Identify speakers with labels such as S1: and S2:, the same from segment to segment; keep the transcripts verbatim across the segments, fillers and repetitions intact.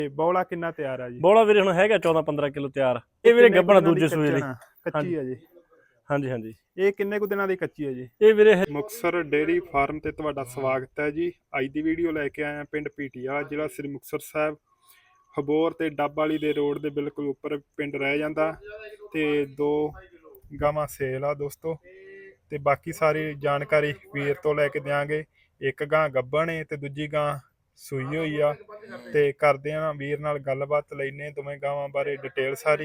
S1: ਤੇ ਬੌਲਾ ਕਿੰਨਾ ਤਿਆਰ ਆ ਜੀ?
S2: ਬੌਲਾ ਵੀਰੇ ਹੁਣ ਹੈਗਾ ਚੌਦਾਂ ਪੰਦਰਾਂ ਕਿਲੋ ਤਿਆਰ। ਇਹ ਵੀਰੇ ਗੱਬਣਾ ਦੂਜੇ ਸੂਏ ਦੀ
S1: ਕੱਚੀ ਆ ਜੀ।
S2: ਹਾਂਜੀ ਹਾਂਜੀ।
S1: ਇਹ ਕਿੰਨੇ ਕੁ ਦਿਨਾਂ ਦੀ ਕੱਚੀ ਹੈ ਜੀ?
S2: ਇਹ ਵੀਰੇ
S1: ਮੁਕਤਸਰ ਡੇਅਰੀ ਫਾਰਮ ਤੇ ਤੁਹਾਡਾ ਸਵਾਗਤ ਹੈ ਜੀ। ਅੱਜ ਦੀ ਵੀਡੀਓ ਲੈ ਕੇ ਆਇਆ ਪਿੰਡ ਪੀਟੀਆ, ਜ਼ਿਲ੍ਹਾ ਸ੍ਰੀ ਮੁਕਤਸਰ ਸਾਹਿਬ। ਹਬੋਰ ਤੇ ਡੱਬ ਵਾਲੀ ਦੇ ਰੋਡ ਦੇ ਬਿਲਕੁਲ ਉੱਪਰ ਪਿੰਡ ਰਹਿ ਜਾਂਦਾ। ਤੇ ਦੋ ਗਾਵਾਂ ਸੇਲ ਆ ਦੋਸਤੋ, ਤੇ ਬਾਕੀ ਸਾਰੀ ਜਾਣਕਾਰੀ ਵੀਰ ਤੋਂ ਲੈ ਕੇ ਦਿਆਂਗੇ। ਇੱਕ ਗਾਂ ਗੱਭਣ ਏ ਤੇ ਦੂਜੀ ਗਾਂ ਸੂਈ ਹੋਈ ਆ, ਤੇ ਕਰਦੇ ਆ ਵੀਰ ਨਾਲ ਗੱਲਬਾਤ, ਲੈਨੇ ਦੋਵੇਂ ਗਾਵਾਂ ਬਾਰੇ ਡਿਟੇਲ ਸਾਰੀ।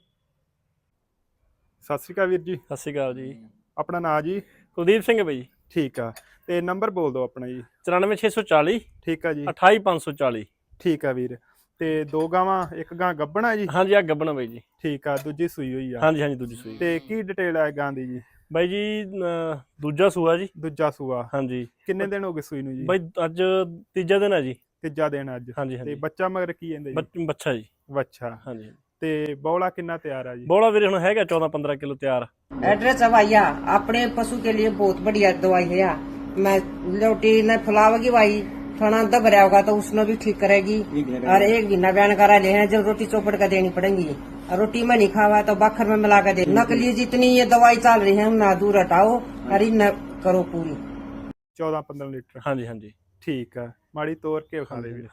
S1: ਸਤਿ ਸ਼੍ਰੀ ਅਕਾਲ ਵੀਰ ਜੀ।
S2: ਸਤਿ ਸ਼੍ਰੀ ਅਕਾਲ ਜੀ।
S1: ਆਪਣਾ ਨਾਂ ਜੀ?
S2: ਕੁਲਦੀਪ ਸਿੰਘ ਬਾਈ।
S1: ਠੀਕ ਆ, ਤੇ ਨੰਬਰ ਬੋਲ ਦਿਓ ਆਪਣਾ ਜੀ।
S2: ਚੁਰਾਨਵੇਂ ਛੇ ਸੌ ਚਾਲੀ।
S1: ਠੀਕ ਆ ਜੀ।
S2: ਅਠਾਈ ਪੰਜ ਸੌ ਚਾਲੀ।
S1: ਠੀਕ ਆ ਵੀਰ। ਤੇ ਦੋ ਗਾਵਾਂ, ਇੱਕ ਗਾਂ ਗੱਭਣਾ ਜੀ?
S2: ਹਾਂਜੀ ਆ ਗੱਭਣਾ ਬਾਈ ਜੀ।
S1: ਠੀਕ ਆ, ਦੂਜੀ ਸੂਈ ਹੋਈ ਆ?
S2: ਹਾਂਜੀ ਹਾਂਜੀ ਦੂਜੀ ਸੂਈ।
S1: ਤੇ ਕੀ ਡਿਟੇਲ ਹੈ ਗਾਂ ਦੀ ਜੀ?
S2: ਬਾਈ ਜੀ ਦੂਜਾ ਸੂਆ ਜੀ।
S1: ਦੂਜਾ ਸੂਆ।
S2: ਹਾਂਜੀ।
S1: ਕਿੰਨੇ ਦਿਨ ਹੋ ਗਏ ਸੂਈ ਨੂੰ ਜੀ?
S2: ਬਾਈ ਅੱਜ ਤੀਜਾ ਦਿਨ ਹੈ ਜੀ।
S1: ਤੀਜਾ ਦਿਨ ਅੱਜ।
S2: ਹਾਂਜੀ
S1: ਤੇ ਬੱਚਾ ਮਗਰ ਕੀ ਕਹਿੰਦੇ ਜੀ?
S2: ਬੱਚਾ ਜੀ।
S1: ਬੱਚਾ।
S2: ਹਾਂਜੀ।
S1: ਤੇ ਬੌਲਾ ਕਿੰਨਾ ਤਿਆਰ ਆ ਜੀ?
S2: ਬੌਲਾ ਵੀਰੇ ਹੁਣ ਹੈਗਾ ਚੌਦਾਂ ਪੰਦਰਾਂ ਕਿਲੋ ਤਿਆਰ।
S3: एड्रेस है भैया, अपने पशु के लिए बहुत बढ़िया दवाई है। मैं रोटी न फुलावेगी भाई, खाना दब रहा होगा तो उसमें भी ठीक करेगी। और एक महीना बयान करा ले हैं, जब रोटी चौपड़ कर देनी पड़ेगी। और रोटी में नहीं खावा तो बखर में मिला कर दे। नकली जितनी ये दवाई चल रही है ना दूर हटाओ और न करो पूरी।
S1: चौदह पंद्रह लीटर।
S2: हाँ जी हाँ जी।
S1: ठीक है, माड़ी तोड़ के खा ले।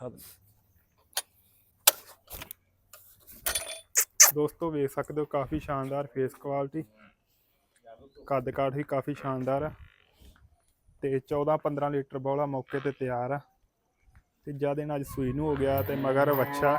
S1: ਦੋਸਤੋ ਵੇਖ ਸਕਦੇ ਹੋ, ਕਾਫੀ ਸ਼ਾਨਦਾਰ ਫੇਸ ਕੁਆਲਿਟੀ, ਕੱਦ ਕਾਠ ਵੀ ਕਾਫੀ ਸ਼ਾਨਦਾਰ ਆ। ਤੇ ਚੌਦਾਂ ਪੰਦਰਾਂ ਲੀਟਰ ਬੌਲਾ ਮੌਕੇ ਤੇ ਤਿਆਰ ਆ। ਤੀਜਾ ਦਿਨ ਅੱਜ ਸੂਈ ਨੂੰ ਹੋ ਗਿਆ, ਤੇ ਮਗਰ ਵੱਛਾ।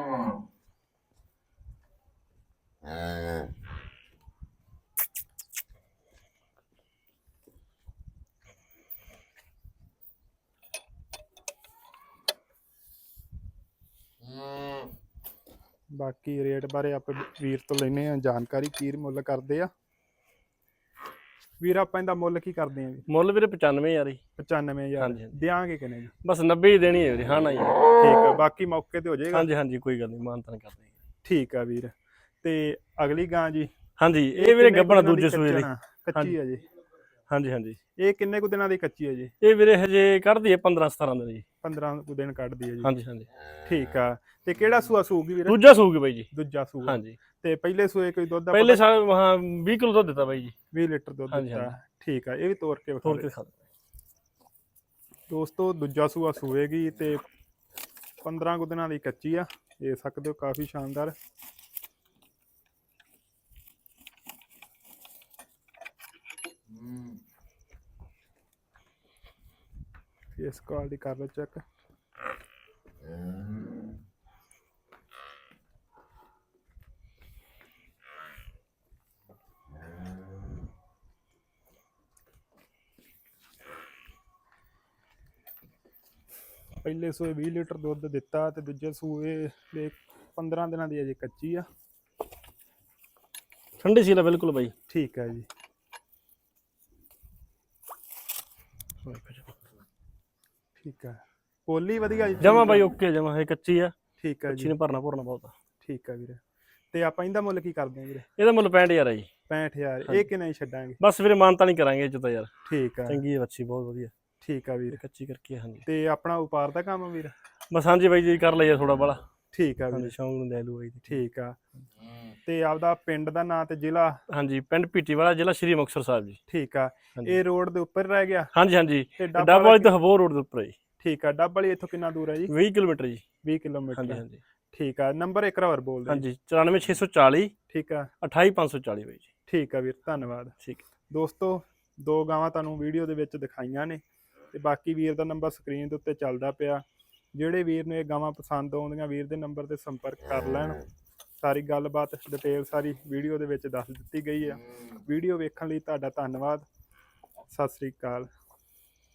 S1: ਬਾਕੀ ਰੇਟ ਬਾਰੇ ਆਪਾਂ ਵੀਰ ਤੋਂ ਲੈਨੇ ਆ ਜਾਣਕਾਰੀ, ਕੀ ਮੁੱਲ ਕਰਦੇ ਆ ਵੀਰ? ਆਪਾਂ ਇਹਦਾ ਮੁੱਲ ਕੀ ਕਰਦੇ ਆ ਜੀ?
S2: ਮੁੱਲ ਵੀਰੇ ਪਚਾਨਵੇਂ ਹਜ਼ਾਰ ਜੀ।
S1: ਪਚਾਨਵੇਂ ਹਜ਼ਾਰ ਦਿਆਂਗੇ ਕਿਨੇ ਜੀ?
S2: ਬਸ ਨੱਬੇ ਹੀ ਦੇਣੀ ਹੈ ਵੀਰੇ। ਹਾਂ ਨਾ ਜੀ।
S1: ਠੀਕ ਆ, ਬਾਕੀ ਮੌਕੇ ਤੇ ਹੋ ਜਾਏਗਾ।
S2: ਹਾਂਜੀ ਹਾਂਜੀ ਕੋਈ ਗੱਲ ਨਹੀਂ, ਮਾਨਤਾਨ ਕਰਦੇ ਹਾਂ।
S1: ਠੀਕ ਆ ਵੀਰ। ਤੇ ਅਗਲੀ ਗਾਂ ਜੀ?
S2: ਹਾਂਜੀ ਇਹ ਵੀਰੇ ਗੱਭਣਾ ਦੂਜੇ ਸੂਏ ਦੀ
S1: ਕੱਚੀ ਆ ਜੀ?
S2: ਹਾਂਜੀ ਹਾਂਜੀ।
S1: ਇਹ ਕਿੰਨੇ ਕੁ ਦਿਨਾਂ ਦੀ ਕੱਚੀ ਹੈ ਜੀ?
S2: ਇਹ ਵੀਰੇ ਹਜੇ ਕੱਢਦੀ ਹੈ ਪੰਦਰਾਂ ਸਤਾਰਾਂ ਦਿਨ ਜੀ।
S1: ਪੰਦਰਾਂ ਕੁ ਦਿਨ ਕੱਢਦੀ ਹੈ ਜੀ?
S2: ਹਾਂਜੀ ਹਾਂਜੀ।
S1: ਠੀਕ ਆ। ਤੇ ਕਿਹੜਾ ਸੂਆ ਸੂਗੀ ਵੀਰੇ?
S2: ਦੂਜਾ ਸੂਗੀ ਬਾਈ ਜੀ।
S1: ਦੂਜਾ ਸੂਆ।
S2: ਹਾਂਜੀ।
S1: ਤੇ ਪਹਿਲੇ ਸੂਏ ਕੋਈ ਦੁੱਧ?
S2: ਪਹਿਲੇ ਸਾਲ ਹਾਂ ਵੀਹ ਕਿਲੋ ਦੁੱਧ ਦਿੱਤਾ ਬਾਈ ਜੀ।
S1: ਵੀਹ ਲੀਟਰ ਦੁੱਧ ਦਿੱਤਾ। ਠੀਕ ਆ, ਇਹ ਵੀ ਤੋੜ ਕੇ
S2: ਤੋੜ ਕੇ ਖਾ
S1: ਦੋਸਤੋ। ਦੂਜਾ ਸੂਆ ਸੂਏਗੀ ਤੇ ਪੰਦਰਾਂ ਕੁ ਦਿਨਾਂ ਦੀ ਕੱਚੀ ਆ, ਦੇਖ ਸਕਦੇ ਹੋ, ਕਾਫੀ ਸ਼ਾਨਦਾਰ। ਫੇਸ ਕੁਆਲਿਟੀ ਕਰ ਲਓ ਚੈੱਕ। ਪਹਿਲੇ ਸੂਏ ਵੀਹ ਲੀਟਰ ਦੁੱਧ ਦਿੱਤਾ, ਤੇ ਦੂਜੇ ਸੂਏ ਦੇ ਪੰਦਰਾਂ ਦਿਨਾਂ ਦੀ ਅਜੇ ਕੱਚੀ ਆ।
S2: ਠੰਡੀ ਸੀ ਬਿਲਕੁਲ ਬਾਈ।
S1: ਠੀਕ ਹੈ ਜੀ। ਠੀਕ ਹੈ, ਪੋਲੀ ਵਧੀਆ
S2: ਜਮਾ ਬਾਈ ਓਕੇ ਜਮਾ, ਇਹ ਕੱਚੀ ਆ।
S1: ਠੀਕ ਹੈ ਜੀ।
S2: ਨੇ ਭਰਨਾ ਭਰਨਾ ਬਹੁਤ ਆ।
S1: ਠੀਕ ਹੈ ਵੀਰੇ। ਤੇ ਆਪਾਂ ਇਹਦਾ ਮੁੱਲ ਕੀ ਕਰਦੇ ਆ ਵੀਰੇ?
S2: ਇਹਦਾ ਮੁੱਲ ਪੈਂਹਠ ਹਜ਼ਾਰ ਆ ਜੀ।
S1: ਪੈਂਹਠ ਹਜ਼ਾਰ। ਇਹ ਕਿੰਨੇ ਛੱਡਾਂਗੇ?
S2: ਬਸ ਵੀਰੇ ਮਾਨਤਾ ਨਹੀਂ ਕਰਾਂਗੇ ਇਹ ਚ ਤਾਂ ਯਾਰ।
S1: ਠੀਕ ਆ,
S2: ਚੰਗੀ ਹੈ ਬੱਚੀ, ਬਹੁਤ ਵਧੀਆ।
S1: ਠੀਕ ਆ ਵੀਰ।
S2: ਕੱਚੀ ਕਰਕੇ। ਹਾਂਜੀ।
S1: ਤੇ ਆਪਣਾ ਵਪਾਰ ਦਾ ਕੰਮ ਵੀਰ?
S2: ਬਸ ਹਾਂਜੀ ਬਾਈ ਜੀ, ਕਰ ਲਈਏ ਥੋੜਾ ਬੜਾ।
S1: ਠੀਕ ਆ ਵੀਰ,
S2: ਸ਼ੌਂਕ ਨੂੰ ਲੈ ਲੂ ਬਾਈ।
S1: ਠੀਕ ਆ। ਤੇ ਆਪਦਾ ਪਿੰਡ ਦਾ ਨਾਂ ਤੇ ਜ਼ਿਲ੍ਹਾ?
S2: ਹਾਂਜੀ, ਪਿੰਡ ਪੀਟੀਵਾਲਾ, ਜ਼ਿਲ੍ਹਾ ਸ੍ਰੀ ਮੁਕਤਸਰ ਸਾਹਿਬ ਜੀ।
S1: ਠੀਕ ਆ। ਇਹ ਰੋਡ ਦੇ ਉੱਪਰ ਰਹਿ ਗਿਆ? ਹਾਂਜੀ
S2: ਹਾਂਜੀ। ਡੱਬ ਵਾਲੀ ਤੋਂ ਹਬੋਰ ਰੋਡ ਦੇ ਉੱਪਰ ਹੈ ਜੀ।
S1: ਠੀਕ ਆ। ਡੱਬ ਵਾਲੀ ਇੱਥੋਂ ਕਿੰਨਾ ਦੂਰ ਹੈ ਜੀ?
S2: ਵੀਹ ਕਿਲੋਮੀਟਰ ਜੀ।
S1: ਵੀਹ ਕਿਲੋਮੀਟਰ।
S2: ਹਾਂਜੀ ਹਾਂਜੀ।
S1: ਠੀਕ ਆ। ਨੰਬਰ ਇੱਕ ਵਾਰ ਬੋਲ ਦਿਓ।
S2: ਹਾਂਜੀ ਚੁਰਾਨਵੇਂ ਛੇ ਸੌ ਚਾਲੀ।
S1: ਠੀਕ ਆ।
S2: ਅਠਾਈ ਪੰਜ ਸੌ ਚਾਲੀ ਬਾਈ ਜੀ।
S1: ਠੀਕ ਆ ਵੀਰ, ਧੰਨਵਾਦ।
S2: ਠੀਕ
S1: ਦੋਸਤੋ, ਦੋ ਗਾਵਾਂ ਤੁਹਾਨੂੰ ਵੀਡੀਓ ਦੇ ਵਿੱਚ ਦਿਖਾਈਆਂ ਨੇ, ਤੇ ਬਾਕੀ ਵੀਰ ਦਾ ਨੰਬਰ ਸਕਰੀਨ ਦੇ ਉੱਤੇ ਚੱਲਦਾ ਪਿਆ। ਜਿਹੜੇ ਵੀਰ ਨੂੰ ਇਹ ਗਾਵਾਂ ਪਸੰਦ ਆਉਂਦੀਆਂ, ਵੀਰ ਦੇ ਨੰਬਰ ਤੇ ਸੰਪਰਕ ਕਰ ਲੈਣ। ਸਾਰੀ ਗੱਲਬਾਤ ਡਿਟੇਲ ਸਾਰੀ ਵੀਡੀਓ ਦੇ ਵਿੱਚ ਦੱਸ ਦਿੱਤੀ ਗਈ ਆ। ਵੀਡੀਓ ਵੇਖਣ ਲਈ ਤੁਹਾਡਾ ਧੰਨਵਾਦ। ਸਤਿ ਸ੍ਰੀ ਅਕਾਲ।